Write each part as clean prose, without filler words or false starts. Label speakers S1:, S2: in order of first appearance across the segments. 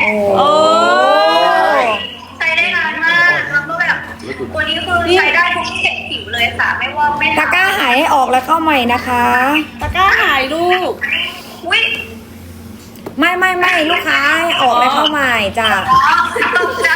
S1: โอ้
S2: ใช้ได้นานมากแล้วก็แบบตัวนี้คือใช้ได้ทุกเฉดผิวเลยค่ะไม่ว่าไม่
S3: ตะกร้าหายให้ออกแล้วเข้าใหม่นะคะ
S1: ตะกร้าหายลูก
S2: อุ้ย
S3: ไม่ลูกค้าให้ออกแล้วเข้าใหม่จ้ะ
S2: ตกใจ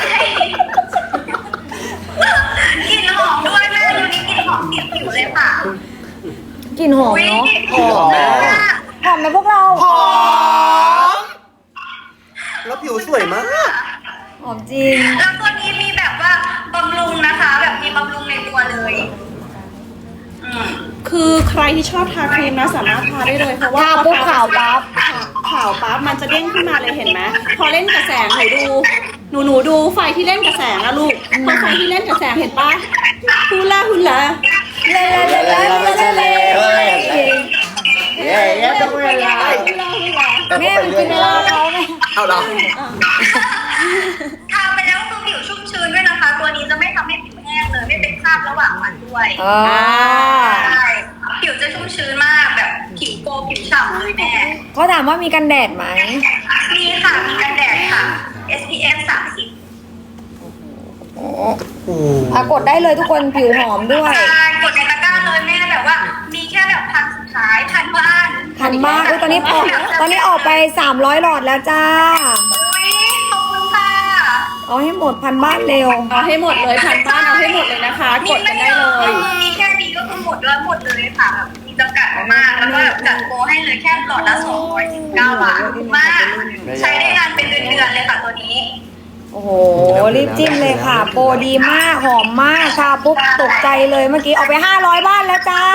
S2: กลิ่นหอมด้วยแม่ตัวนี้กลิ่นหอมติดผิวเลยค่ะ
S3: กลิ่นหอมเนาะ
S2: หอมมาก
S3: หอมไหมพวกเรา
S4: หอมแล้วผิวสวยมาก
S3: หอมจริง
S2: แล้วตัวนี้มีแบบว่าบำรุงนะคะ แบบมีบำรุงในตัวเลย
S1: คือใครที่ชอบทาครีมนะสามารถทาได้เลยเพราะว่า
S3: ทาปุ๊บขาวปั๊บ
S1: ขาวปั๊บมันจะเด้งขึ้นมาเลยเห็นไหมพอเล่นกับแสงหนูดูไฟที่เล่นกับแสงอะลูกพอไฟที่เล่นกับแสงเห็นปะฮูลาฮูลา
S3: เล่
S4: ต้องเวลา
S3: แม่มันกินเวลาเขาไหม
S4: เอาเหรอ
S2: ทาไปแล้วคือผิวชุ่มชื้นด้วยนะคะ ตัวนี้จะไม่ทำให้ผิวแห้งเลยไม่เป็นคราบระหว่างวันด้วย ใช่ผิวจะชุ่มชื้นมากแบบผิวโกผิวฉ่ำเลยแม่
S3: เขาถามว่ามีกันแดดไหม
S2: มีค่ะมีกันแดดค่ะ SPF 30
S3: กดได้เลยทุกคนผิวหอมด้วย
S2: ใช่กดในตะกร้าเลยแม่แบบว่า มีแค่แบบพันสุดท้ายพันบ้าน
S3: ทันมากตอนนี้ออกไป300หลอดแล้วจ้า
S2: อุ้ยขอบคุณค่ะ
S3: เอาให้หมดพันบ้านเร็ว
S1: เอาให้หมดเลยพันบ้านเอาให้หมดเลยนะคะ กดกันได้เลย
S2: มีแค่นี้ก็คือหมดแล้วหมดเลยค่ะแบบมีจำกัดมากแล้วก็แบบจัดโปรให้เลยแค่หลอดละ219 บาทมากใช้ได้นานเป็นเดือนๆเลยค่ะตัวนี้
S3: โอ้โหรีบจิ้มเลยค่ะ โปรดีมากหอมมากทาปุ๊บตกใจเลยเมื่อกี้ออกไป500บ้านแล้วจ้า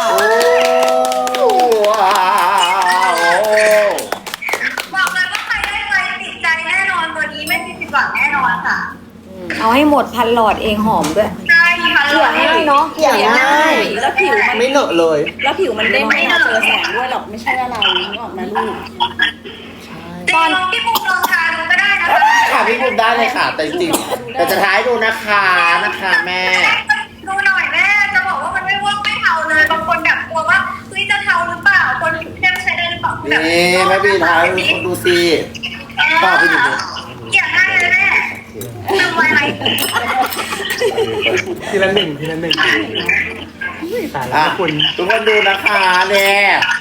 S2: บอกเลยว่าใครได้ไปติดใจแน่นอนตัวนี้ไม่มีผิดหวังแน่นอนค่ะ
S3: เอาให้หมดพันหลอดเองหอมด้วย
S2: ใช่ค่ะ
S3: เกลี่ยง่ายเนาะเกลี่ยง่าย
S1: แล้วผิวมัน
S4: ไม่เหนอะเลย
S1: แล้วผิวมันเด้งไม่เจอแสงด้วยหรอกไม่ใช่อะไรนึกออกไหมลูก
S2: ตอนพี่ปูลองทาดูก็ได้นะคะ
S4: ค่ะพี่บุ๋มได้เลยค่ะ แต่จริงๆแต่จะท้ายดูนะคะแม่
S2: ดูหน่อยแม่จะบอกว่ามันไม่เวิร์กไม่เทาเลยบางคนแบบกลัวว่าเฮ้ยจะเทาหรือเปล่าคนผิวเข้มใช้ได้หรือเปล่า
S4: นี่แม่พี่ท้ายดูสิต่อไปดู
S2: เกลี่ยง่ายเลยแม่ทำไว้ไหม
S5: ทีละหนึ่งแต่ละ
S4: อ่ะ
S5: คุณ
S4: ทุกคนดูนะคะเนี่ย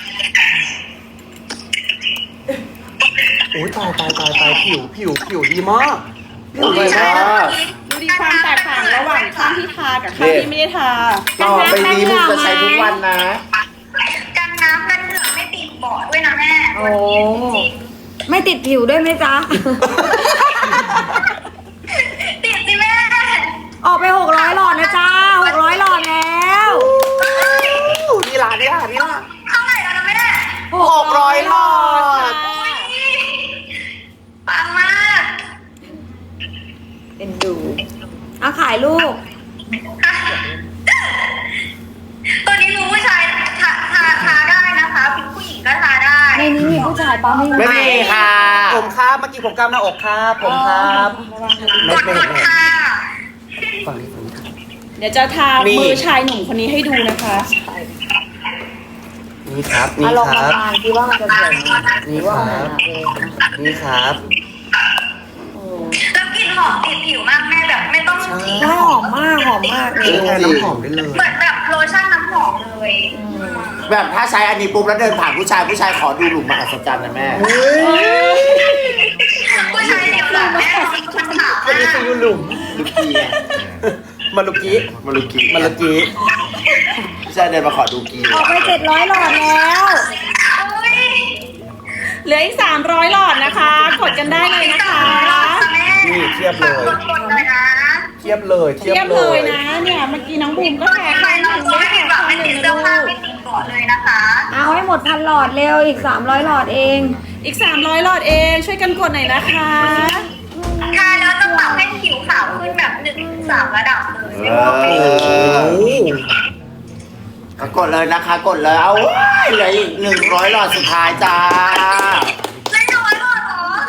S5: โอ้ยตายผิวดีมาก
S4: สวยมาก
S1: ดูดีความแตกต่างระหว่างข้างที่ทากับข้างที่ไม่ได้ทา
S4: ต่อไปนี้มึงจะใช้ทุกวันนะ
S2: กันน้ำกันเหงื่อไม่ติดเบาะด้วยนะแม่
S3: โอ้ไม่ติดผิวด้วยไหมจ๊ะ
S2: ติดสิแม่
S3: ออกไป600หลอดนะจ้า600หลอดแล้ว
S4: นี่ล่ะ
S2: เท่าไหร่แล้วนะแม่
S4: 600หลอด
S2: ปังมาก
S3: เป็นดูเอาขายลูก
S2: ตัวนี้รู้ผู้ชายทาได้นะคะเป็นผู้หญิงก็ทาได้
S3: ในนี้มีผู้ชายป้าไม่มี
S4: ไม่มีค่ะ
S5: ผมครับเมื่อกี้ผมกล้ามหน้าอกครับผมครับ
S2: กดค่ะ
S5: ฝั่งนี้
S1: เดี๋ยวจะทามือชายหนุ่มคนนี้ให้ดูนะคะ
S4: นี่ครับ
S3: ลองมาทานคิดว่ามันจะสวยไหม
S4: นี่
S3: ว่า
S4: ค
S3: มัน
S4: รับ
S3: นะเอง
S4: นี่ครับ
S2: แล้วกลิ่นหอมติดผิวมากแม่แบบไม่ต้องฉีด
S3: ใช่หอมมากเล
S5: ใช้
S3: ย
S5: แทนน้ำหอมได้เลย
S2: เหมือนแบบโลชั่นน้ำหอมเลย
S4: แบบถ้าใช้อันนี้ปุ๊บแล้วเดินผ่านผู้ชายขอดูหลุมมหัศจรรย์นะแม่
S2: ผู้ชายเดียวหล่ะแม่มันขาว
S5: อันนี้คือยูหลุม
S4: ลูกกี้ไง
S5: มาลุกี้
S4: มาลูกกี้
S5: มาลุกี้
S4: ผู้ชายเดินมาขอดูกี้
S3: ออกไป700หลอดแล้ว
S1: เหลืออีก300หลอดนะคะ กดกันได้เลยนะคะ
S4: นี่เทียบเลย
S2: กดเลยนะ
S5: เทียบเลย
S1: เทียบเลยนะ เนี่ยเมื่อกี้น้องบูมก็แพ้
S2: ใคร
S1: ข้างห
S2: เรา
S1: นึ่ง
S2: จะ
S1: ไม่
S2: ไม่
S1: แพ้
S2: ผิดหวั
S1: ข้าง ง
S2: ไม่
S1: หนึ่
S2: ติ
S1: ง
S2: ด
S1: นะ
S2: เสื้อ
S1: ลู
S2: ผ้าก ไม่ติดก่อนเลยนะคะ
S3: เอาให้หมดพันหลอดเร็วอีก300หลอดเอง
S1: อีก300หลอดเองช่วยกันกดหน่อยนะคะ
S2: ทาแล้วจะปรับให้ผิวขาวขึ้นแบบ1-3ระดับเลยไม่ว่า
S4: โอ้
S2: ไม่
S4: กดเลยนะคะกดเลยเอาเว้ยเหลืออีก100หลอดสุดท้ายจ้า
S2: ไม่น้อยหรอ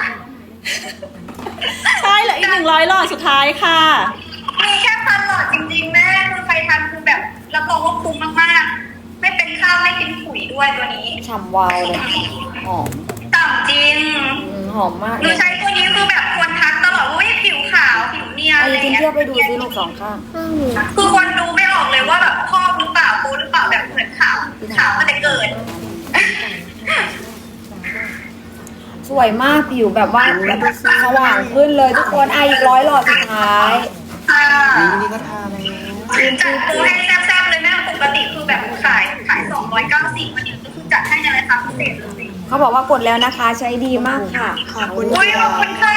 S1: ใช่เหลืออีก100หลอดสุดท้ายค่ะ
S2: มีแค่พันหลอดจริงๆแม่คือใครทานคือแบบรับรองว่าคุ้มมากๆไม่เป็นข้าวไม่กินปุ๋ยด้วยตัวนี้
S3: ฉ่ำวาวเลยหอม
S2: ต่ำจริง
S3: หอมมาก
S2: ห
S3: เล
S2: นู
S3: ย
S2: ใช้ตัวนี้คือแบบนียน
S3: ไอ้
S2: อะไร
S3: จริง
S2: เงี้ย
S3: เทียบไปดูซิลูกสองข้าง
S2: คือคนดูไม่ออกเลยว่าแบบพ่อหรือเปล่าโบหรือเปล่าแบบเหมือนขาวมาแต่เกิด
S3: สวยมากผิวแบบว่าแบบสว่างขึ้นเลยทุกคนอีก100 หลอดสุดท้าย
S5: นี่ก็ทาแล้ว
S2: จัดตัวให้แซ่บๆเลยแม่ปกติคือแบบขาย290วันนี้คือจัดให้ในราคาพิเศษเลย
S3: เขาบอกว่ากดแล้วนะคะใช้ดีมากค่ะ
S5: ขอบคุณ
S2: อุ้ยขอบคุณค่ะ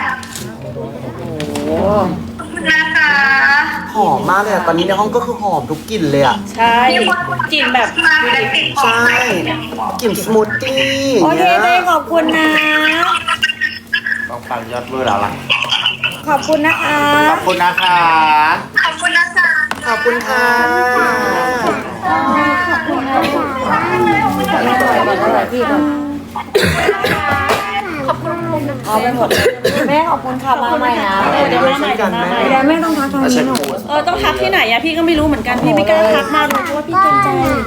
S3: โอ้
S2: ขอบคุณนะคะ
S5: หอมมากเลยอะตอนนี้ในห้องก็คือหอมทุกกลิ่นเลยอ่ะ
S1: ใช่กลิ่นแบบ
S2: มาเป็นติดขอ
S5: ใช่
S2: ง
S5: กลิ่นสมูทตี้
S3: โอเคเลยขอบคุณนะ
S4: ต้องฟังยอดเบอร์แล้วล่ะ
S3: ขอบคุณนะคะ
S4: ขอบคุณนะคะ
S2: ขอบคุณนะคะ
S5: ขอบคุณค่ะ
S3: พี่ก่อนเอาไปหมดแม่ขอบคุณค่ะมาใหม่นะ
S1: เดี๋ยวมาใหม่เดี๋ยวมาใหม่
S3: เดี๋ยวแม่ต้องทักทางนี้หน่อย
S1: ต้องทักที่ไหนอะพี่ก็ไม่รู้เหมือนกันพี่ไม่กล้าทักมาเลยเพราะว่าพี่เกรงใจ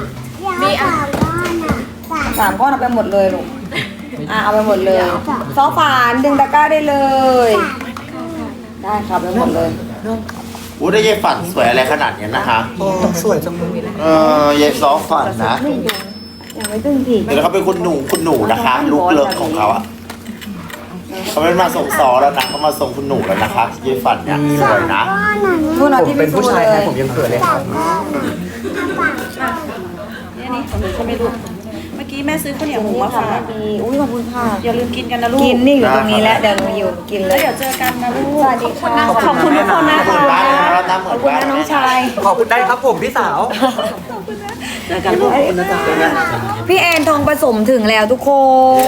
S3: 3 ก้อนเอาไปหมดเลยลูกเอาไปหมดเลยซอฝานดึงตะกร้าได้เลย ได้ครับไปหมดเลย
S4: อู้ได้ยายฝันสวยอะไรขนาดนี้นะคะ
S5: โอ้สวยจังเลย
S4: ยายซอฝันนะ
S3: ยังไม่ตึงที
S4: เดี๋ยวเขาเป็นคุณหนูนะคะ ลูกเลิกของเขาอะเขาไม่มาส่งซอแล้วนะเขามาส่งคุณหนูแล้วนะคะยายฝันเนี่ยสวยนะ
S3: นู่นเอา
S5: ผม
S3: ที่
S5: เป็นผู้ชาย
S3: เล
S5: แท้
S3: ย
S5: ผมยังเขินเลยครับ
S1: นี่ของหนูใช่ไหมลูกเมื่อกี้แม่ซื้อข้าวเหนียวหมูมาฝาก
S3: อุ้ยขอบคุณค่ะ
S1: อย่าลืมกินกันนะลูก
S3: กินนี่อยู่ตรงนี้แล้วเดี๋ยวหนูอยู่กินเล
S1: แล้ว
S3: ย
S1: เดี๋ยวเจอกันนะลูก
S3: สวัสดีค่ะ
S1: ขอบคุณทุกคนนะ
S4: เหมือนบ้านเลยนะเราทำเห
S3: ข
S4: มื
S3: อ
S4: อบ น
S3: คุณ
S4: บ้าน
S3: นะน้องชาย
S5: ขอบคุณได้ครับผมพี่สาว
S1: เจอกันลูก
S3: พี่แอนทองผสมถึงแล้วทุกคน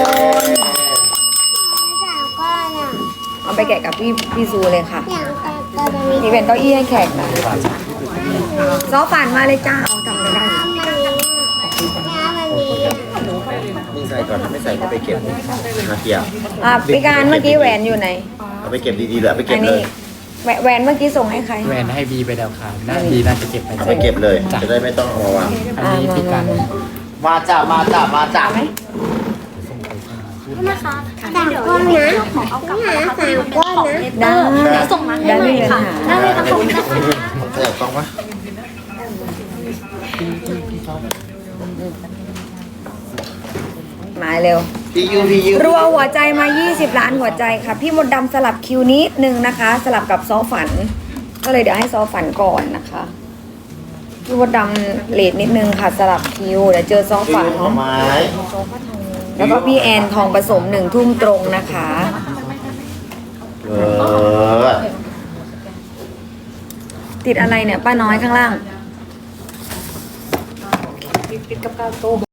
S3: เอาไปแกะกับพี่ซูเลยค่ะนี่เป็นเก้าอี้ให้แขกนะซอฝันมาเลยจ้าเอาจำไม่ได้
S4: นี่ใส่ก่อนไม่ใส่ก็ไปเก็บนาเกีย
S3: พี่การเมื่อกี้แหวนอยู่ไหน
S4: เอาไปเก็บดีๆเลยไปเก็
S3: อั
S4: บ
S3: น
S4: เล
S3: นี้
S4: ย
S3: แหวนเมื่อกี้ส่งให้ใคร
S6: แหวนให้บีไปแล้วค่ะน่าบีน่าจะเก็บไป
S4: เอาไปเก็บเลย จะได้ไม่ต้องเอามาวาง
S6: อันนี้พี่กัน
S4: มาจ้ามาจ้ามาจ้า
S3: ไหม
S7: 3 ก้อนนะ3 ก้อนนะ
S3: ได้เดี๋ยวส่งมาให้ใหม่ค่ะได้เลยค่ะ
S4: เออต้องวะ
S3: มาเร็ว
S4: พี่ยู
S3: รัวหัวใจมา 20 ล้านหัวใจค่ะ พี่มดดำสลับคิวนิดนึงนะคะ สลับกับซอฝัน ก็เลยเดี๋ยวให้ซอฝันก่อนนะคะ พี่มดดำเลทนิดนึงค่ะ สลับคิวเดี๋ยวเจอซอ
S4: พี่
S3: ฝัน
S4: ยูหน่อไม้
S3: แล้วก็พี่แอนทองผสม1 ทุ่มตรงนะคะ
S4: เออ
S3: ติดอะไรเนี่ยป้าน้อยข้างล่าง